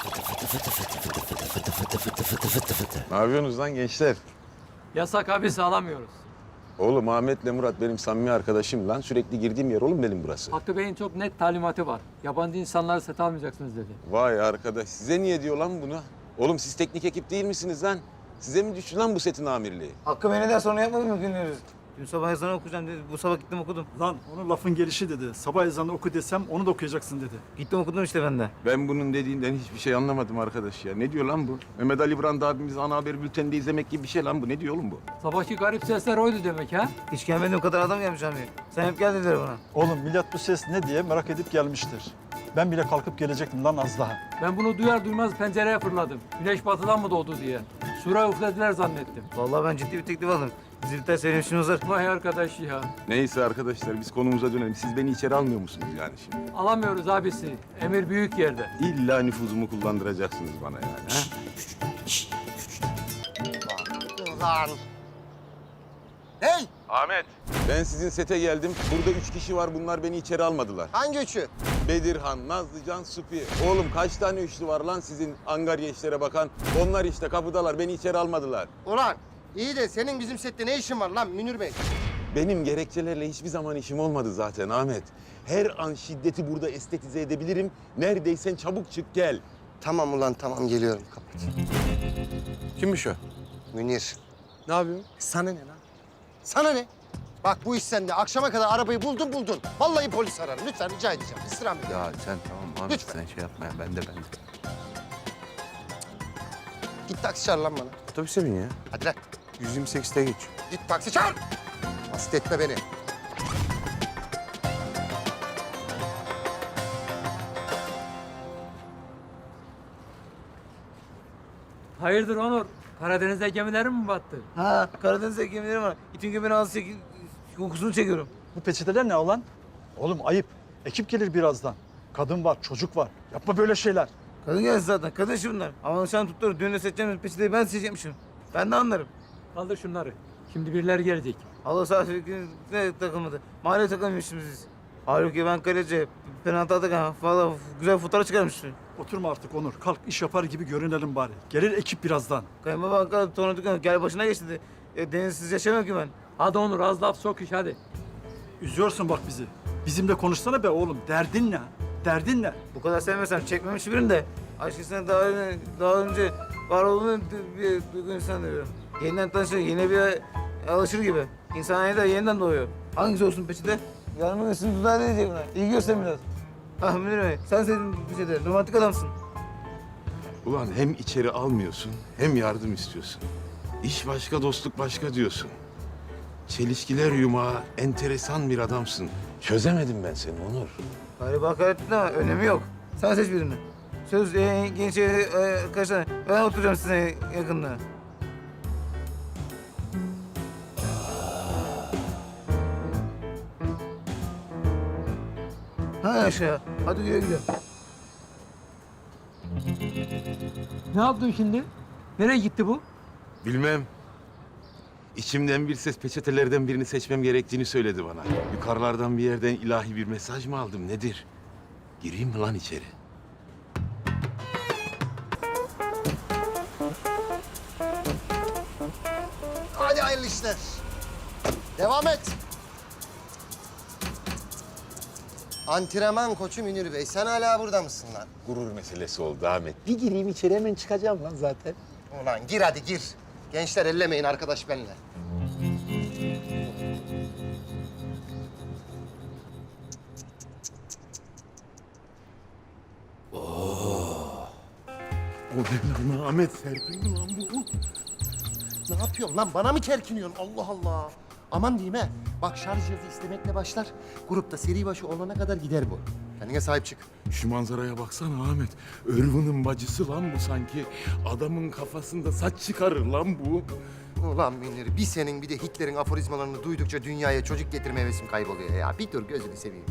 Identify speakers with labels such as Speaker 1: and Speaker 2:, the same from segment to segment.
Speaker 1: Ne yapıyorsunuz lan gençler?
Speaker 2: Yasak abi sağlamıyoruz.
Speaker 1: Oğlum Ahmet'le Murat benim samimi arkadaşım lan. Sürekli girdiğim yer oğlum benim burası.
Speaker 2: Hakkı Bey'in çok net talimatı var. Yabancı insanları set almayacaksınız dedi.
Speaker 1: Vay arkadaş size niye diyor lan bunu? Oğlum siz teknik ekip değil misiniz lan? Size mi düştü lan bu setin amirliği?
Speaker 3: Hakkı beni de sonra yapmadım mı dinliyoruz? Dün sabah ezanı okuyacağım dedi. Bu sabah gittim okudum.
Speaker 4: Lan onun lafın gelişi dedi. Sabah ezanı oku desem onu da okuyacaksın dedi.
Speaker 3: Gittim okudum işte ben de.
Speaker 1: Ben bunun dediğinden hiçbir şey anlamadım arkadaş ya. Ne diyor lan bu? Mehmet Ali Brand abimiz ana haber bülteninde izlemek gibi bir şey lan bu. Ne diyor oğlum bu?
Speaker 2: Sabahki garip sesler oydu demek ha?
Speaker 3: Hiç gelmediğim kadar adam gelmiş abi. Sen hep gel dediler bana.
Speaker 4: Oğlum millet bu ses ne diye merak edip gelmiştir. Ben bile kalkıp gelecektim lan az daha.
Speaker 2: Ben bunu duyar duymaz pencereye fırladım. Güneş batıdan mı doğdu diye. Sura üflediler zannettim.
Speaker 3: Vallahi ben ciddi bir teklif aldım. Zilter senin işin uzar.
Speaker 2: Vay arkadaş ya.
Speaker 1: Neyse arkadaşlar biz konumuza dönelim. Siz beni içeri almıyor musunuz yani şimdi?
Speaker 2: Alamıyoruz abisi. Emir büyük yerde.
Speaker 1: İlla nüfuzumu kullandıracaksınız bana yani. Ha?
Speaker 5: Ulan. Hey!
Speaker 1: Ahmet. Ben sizin sete geldim. Burada 3 kişi var. Bunlar beni içeri almadılar.
Speaker 5: Hangi üçü?
Speaker 1: Bedirhan, Nazlıcan, Supi. Oğlum kaç tane üçlü var lan sizin Angarya işlere bakan? Onlar işte kapıdalar. Beni içeri almadılar.
Speaker 5: Ulan iyi de senin bizim sette ne işin var lan Münir Bey?
Speaker 1: Benim gerekçelerle hiçbir zaman işim olmadı zaten Ahmet. Her an şiddeti burada estetize edebilirim. Neredeysen çabuk çık gel.
Speaker 5: Tamam ulan tamam geliyorum kapat.
Speaker 1: Kimmiş o?
Speaker 5: Münir.
Speaker 1: Ne yapıyorsun?
Speaker 5: Sana ne lan? Sana ne? Bak bu iş sende. Akşama kadar arabayı buldun. Vallahi polis ararım. Lütfen rica edeceğim. İstirham edin.
Speaker 1: Ya sen tamam Ahmet
Speaker 5: Lütfen.
Speaker 1: sen şey yapma ya. Ben de.
Speaker 5: Git taksi çağır lan bana.
Speaker 1: Otobüse bin ya.
Speaker 5: Hadi lan.
Speaker 1: 128'te geç.
Speaker 5: Git taksi çağır. Hasta etme beni.
Speaker 2: Hayırdır Onur? Karadeniz'de gemilerin mi battı?
Speaker 3: Ha Karadeniz'de gemilerim var. İtin göbeğini ağzı kokusunu çekiyorum.
Speaker 4: Bu peçeteler ne olan? Oğlum ayıp. Ekip gelir birazdan. Kadın var, çocuk var. Yapma böyle şeyler.
Speaker 3: Kadın gelsin zaten. Kadın işi bunlar. Ama nişan tuttular. Düğünde seçeceğimiz peçeteyi ben seçecekmişim. Ben de anlarım.
Speaker 2: Kaldır şunları. Şimdi birileri gelecek.
Speaker 3: Allah sağ ne takılmadı. Mahalle takılmışız biz. Halbuki ben kaleci. Penaltı atakan valla güzel fotoğraf çıkarmıştım.
Speaker 4: Oturma artık Onur. Kalk iş yapar gibi görünelim bari. Gelir ekip birazdan.
Speaker 3: Kayınbaba sonra dükkan gel başına geçti dedi. Denizsiz yaşamıyor ki ben.
Speaker 2: Hadi Onur az laf sok iş hadi.
Speaker 4: Üzüyorsun bak bizi. Bizimle konuşsana be oğlum. Derdin ne? Derdin ne?
Speaker 3: Bu kadar sevmesem çekmemiş birini de. Aşkısına daha önce var olduğunu bir duygu insan diyorum. Yeniden tanışır, yeni bir alışır gibi. İnsan da yeniden doğuyor. Hangisi olsun peçete? Yarın üstünü dudağı diyecek buna. İyi göster biraz. Ah Münir Bey, sen sevdin peçete. Romantik adamsın.
Speaker 1: Ulan hem içeri almıyorsun hem yardım istiyorsun. İş başka, dostluk başka diyorsun. Çelişkiler yumağı, enteresan bir adamsın. Çözemedim ben seni Onur.
Speaker 3: Galiba hakarettin ama önemi yok. Sen seç birini. Söz genç arkadaşlar. Ben oturacağım size yakında. Ha aşağı. Hadi güle güle.
Speaker 2: Ne yaptın şimdi? Nereye gitti bu?
Speaker 1: Bilmem. İçimden bir ses peçetelerden birini seçmem gerektiğini söyledi bana. Yukarılardan bir yerden ilahi bir mesaj mı aldım nedir? Gireyim mi lan içeri?
Speaker 5: Hadi hayırlı işler. Devam et. Antrenman koçu Münir Bey. Sen hala burada mısın lan?
Speaker 1: Gurur meselesi oldu Ahmet. Bir gireyim içeri hemen çıkacağım lan zaten.
Speaker 5: Ulan gir hadi gir. Gençler ellemeyin arkadaş benimle.
Speaker 1: O ne lan Ahmet? Serpil mi lan bu?
Speaker 5: Ne yapıyorsun lan? Bana mı kerkiniyorsun? Allah Allah. Aman diyeyim he. Bak şarj cihazı istemekle başlar. Grupta seri başı olana kadar gider bu. Kendine sahip çık.
Speaker 1: Şu manzaraya baksana Ahmet. Irvın'ın bacısı lan bu sanki. Adamın kafasında saç çıkarır lan bu.
Speaker 5: Ulan Münir, bir senin bir de Hitler'in aforizmalarını duydukça dünyaya çocuk getirme hevesim kayboluyor ya. Bir dur gözünü seveyim.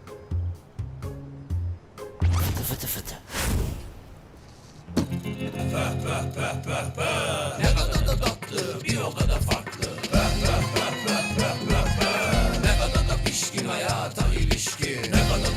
Speaker 3: Fıtı fıtı.
Speaker 6: Ne kadar da tatlı, bir o kadar farklı.